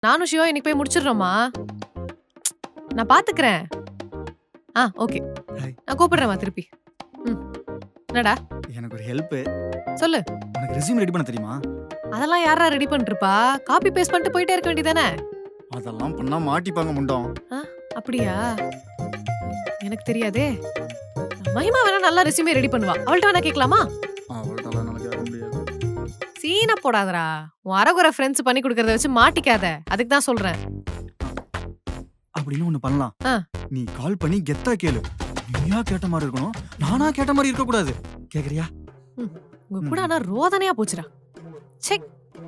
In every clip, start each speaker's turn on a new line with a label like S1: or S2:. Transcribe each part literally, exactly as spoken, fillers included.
S1: நானும் சிவா இன்னைக்கு போய் முடிச்சிடுறோமா? நான் பாத்துக்கிறேன். ஆ ஓகே.
S2: ஹாய்.
S1: நான் கூப்பிடுறேன்மா திருப்பி. ம். என்னடா?
S2: எனக்கு ஒரு ஹெல்ப்.
S1: சொல்லு.
S2: உனக்கு ரெஸ்யூம் ரெடி பண்ண தெரியுமா?
S1: அதெல்லாம் யாரா ரெடி பண்ணிருப்பா? காப்பி பேஸ்ட் பண்ணிட்டு போயிட்டே இருக்க வேண்டியதானே?
S2: அதெல்லாம் பண்ணா மாட்டிப்பாங்க முண்டம்.
S1: அப்படியா? எனக்கு தெரியாதே. மகிமா வேணா நல்லா ரெஸ்யூமே ரெடி பண்ணுவா. அவள்கிட்ட வேணா கேட்கலாமா?
S2: அவள்கிட்டலாம் என்னால கேட்க முடியாது.
S1: சீனா போடாதடா. உன் அரகுற ஃப்ரெண்ட்ஸ் பண்ணி கொடுக்கறத வச்சு மாட்டிக்காத. அதுக்கு தான் சொல்றேன்.
S2: அப்படின்னு ஒண்ணு பண்ணலாம்.
S1: ஆ.
S2: நீ கால் பண்ணி கெத்தா கேளு. நீயா கேட்ட மாதிரி இருக்கணும், நானா கேட்ட மாதிரி இருக்க கூடாது. கேக்குறியா?
S1: உங்க கூட ஆனா ரோதனையா போச்சுடா. செக்.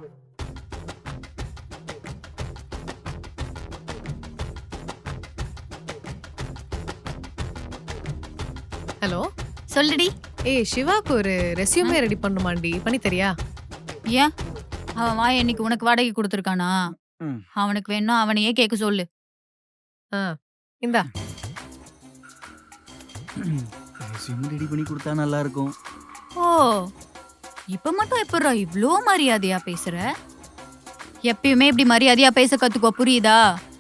S1: ஹலோ
S3: சொல்லுடி.
S1: ஏய் சிவாக்கு ஒரு ரெஸ்யூமே ரெடி பண்ணுமாண்டி, பண்ணி தரியா?
S3: ஏன் அவன் வாய் இன்னைக்கு உனக்கு வாடகை கொடுத்துருக்கானா?
S2: ம்.
S3: அவனுக்கு வேணும் அவனையே கேட்க சொல்லு.
S1: இந்தா.
S2: ரெஸ்யூம் ரெடி பண்ணி கொடுத்தா நல்லா இருக்கும்.
S3: ஓ இப்ப மட்டும் எப்படா இவ்ளோ மரியாதையா பேசுற? எப்பயுமே இப்படி மரியாதையா பேச கத்துக்கோ, புரியுதா?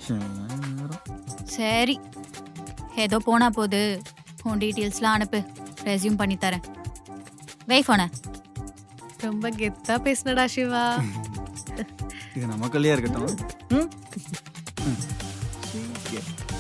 S3: சரி ஏதோ போனா போது. உன் டீட்டெயில்ஸ்லாம் அனுப்பு, ரெஸ்யூம் பண்ணி தரேன். வை போன.
S1: ரொம்ப கெத்தா பேசுனடா சிவா.
S2: இது நமக்குள்ளேயே இருக்கட்டும். ம்? ம். சீக்கிரம்.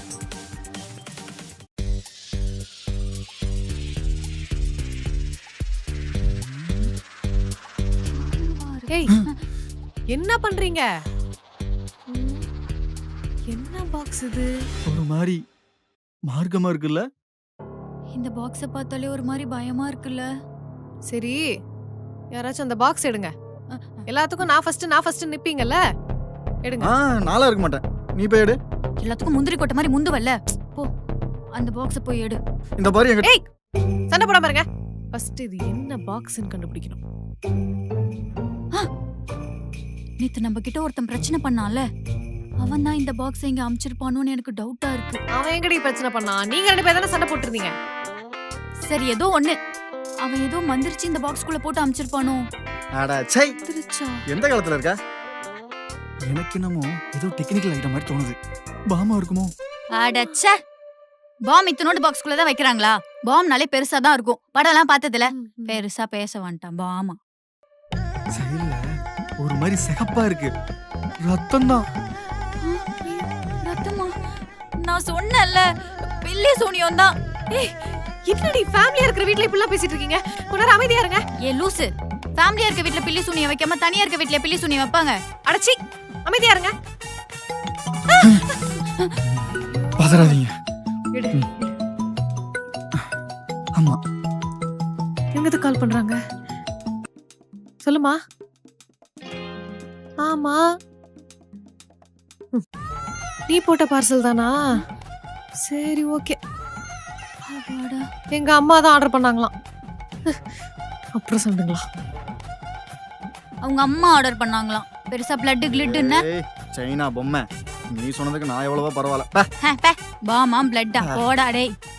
S1: ஏய் என்ன பண்றீங்க? ம், என்ன பாக்ஸ் இது?
S2: ஒரு மாதிரி மார்க்கமா இருக்குல்ல?
S3: இந்த பாக்ஸ பார்த்தாலே ஒரு மாதிரி பயமா இருக்குல்ல.
S1: சரி யாராச்சும் அந்த பாக்ஸ் எடுங்க. எல்லாத்துக்கும் நான் ஃபர்ஸ்ட் நான் ஃபர்ஸ்ட் நிப்பீங்கல்ல, எடுங்க.
S2: ஆ, நாளா இருக்க மாட்டேன். நீ போய் எடு.
S3: எல்லாத்துக்கும் முந்திரி கொட்டை மாதிரி முந்துவல்ல, போ அந்த பாக்ஸ போய் எடு.
S2: இந்த பாரு எங்க.
S1: ஏய் சண்டை போடாம இருங்க. ஃபர்ஸ்ட் இது என்ன பாக்ஸ்னு கண்டுபிடிக்கணும்.
S3: நேத்து நம்ம கிட்ட ஒருத்தன் பிரச்சனை பண்ணான்ல, அவன் தான் இந்த பாக்ஸ் இங்க அமிச்சிருப்பானோன்னு எனக்கு டவுட்டா இருக்கு.
S1: அவன் எங்கடி பிரச்சனை பண்ணா? நீங்க ரெண்டு பேரும் தானே சண்டை போட்டுருந்தீங்க.
S3: சரி ஏதோ ஒண்ணு, அவன் ஏதோ மந்திரிச்சு இந்த பாக்ஸ்குள்ள போட்டு அமிச்சிருப்பானோ.
S2: அட சை,
S3: திருச்சா
S2: எந்த காலத்துல இருக்க? எனக்கு என்னமோ ஏதோ டெக்னிக்கல் ஐட்டம் மாதிரி தோணுது. பாமா இருக்குமோ?
S3: அடச்ச, பாம் இத்தனோட பாக்ஸ்குள்ள தான் வைக்கிறாங்களா? பாம்னாலே பெருசா தான் இருக்கும். படம்லாம் பார்த்ததுல பெருசா பேச வேண்டாம். பாமா
S2: சைடுல ஒரு மாதிரி சிகப்பா இருக்கு. ரத்தம் தான்.
S3: ரத்தமா? நான் சொன்னேன்ல பில்லி சூனியம் தான்.
S1: ஏய் என்னடி ஃபேமிலியா இருக்கிற வீட்ல இப்படி எல்லாம் பேசிட்டு இருக்கீங்க? கொஞ்ச நேரம் அமைதியா இருங்க.
S3: ஏ லூசு, ஃபேமிலியா இருக்க வீட்ல பில்லி சூனியம் வைக்காம தனியா இருக்க வீட்ல பில்லி சூனியம் வைப்பாங்க?
S1: அடச்சி அமைதியா இருங்க.
S2: பதறாதீங்க.
S1: எடு.
S2: ஆமா.
S1: எங்கது கால் பண்றாங்க? சொல்லுமா. ஆமா ம். நீ போட்ட பார்சல் தானா? சரி ஓகே.
S3: அப்பாடா.
S1: எங்க அம்மா தான் ஆர்டர் பண்ணாங்களாம். அப்புறம் சொல்லுங்களா.
S3: அவங்க அம்மா ஆர்டர் பண்ணாங்களாம். பெருசா பிளட் கிளிட்னு.
S2: ஏய், சைனா பொம்மை. நீ சொன்னதுக்கு நான் எவ்வளவோ பரவாயில்ல.
S3: பாமா பிளட்டா போடா டேய்.